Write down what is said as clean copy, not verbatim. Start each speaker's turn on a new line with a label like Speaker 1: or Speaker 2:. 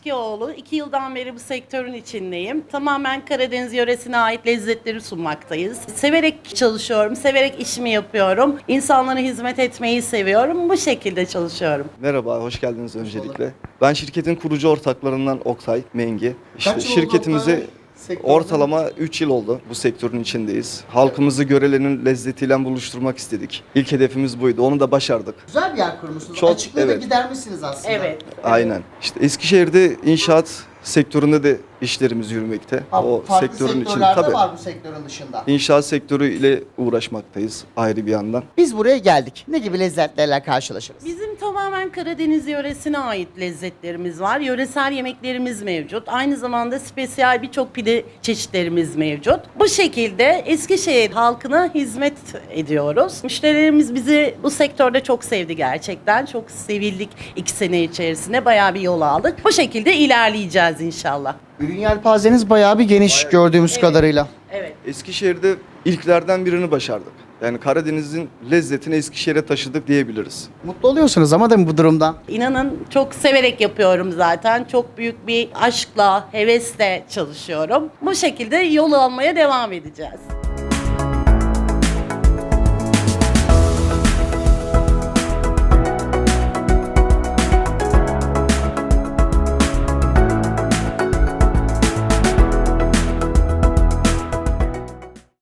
Speaker 1: Aşkıoğlu. 2 yıldan beri bu sektörün içindeyim. Tamamen Karadeniz yöresine ait lezzetleri sunmaktayız. Severek çalışıyorum, severek işimi yapıyorum. İnsanlara hizmet etmeyi seviyorum. Bu şekilde çalışıyorum.
Speaker 2: Merhaba, hoş geldiniz öncelikle. Ben şirketin kurucu ortaklarından Oktay Mengi. İşte
Speaker 3: Kaç yıl oldu
Speaker 2: şirketimizi
Speaker 3: Oktay sektörde?
Speaker 2: ortalama 3 yıl oldu bu sektörün içindeyiz. Halkımızı Görele'nin lezzetiyle buluşturmak istedik. İlk hedefimiz buydu, onu da başardık.
Speaker 3: Güzel bir yer kurmuşsunuz.
Speaker 2: Çok,
Speaker 3: Açıklığı da
Speaker 2: evet.
Speaker 3: gidermişsiniz aslında.
Speaker 1: Evet.
Speaker 2: Aynen. İşte Eskişehir'de inşaat sektöründe de işlerimiz yürümekte.
Speaker 3: Ha, farklı sektörlerde var bu sektörün dışında.
Speaker 2: İnşaat sektörüyle uğraşmaktayız ayrı bir yandan.
Speaker 3: Biz buraya geldik. Ne gibi lezzetlerle karşılaşırız?
Speaker 1: Bizim tamamen Karadeniz yöresine ait lezzetlerimiz var. Yöresel yemeklerimiz mevcut. Aynı zamanda spesiyel birçok pide çeşitlerimiz mevcut. Bu şekilde Eskişehir halkına hizmet ediyoruz. Müşterilerimiz bizi bu sektörde çok sevdi gerçekten. Çok sevildik 2 sene içerisinde. Bayağı bir yol aldık. Bu şekilde ilerleyeceğiz inşallah.
Speaker 3: Ürün yelpazeniz bayağı bir geniş gördüğümüz kadarıyla.
Speaker 1: Evet.
Speaker 2: Eskişehir'de ilklerden birini başardık. Yani Karadeniz'in lezzetini Eskişehir'e taşıdık diyebiliriz.
Speaker 3: Mutlu oluyorsunuz ama değil mi bu durumda?
Speaker 1: İnanın çok severek yapıyorum zaten. Çok büyük bir aşkla, hevesle çalışıyorum. Bu şekilde yol almaya devam edeceğiz.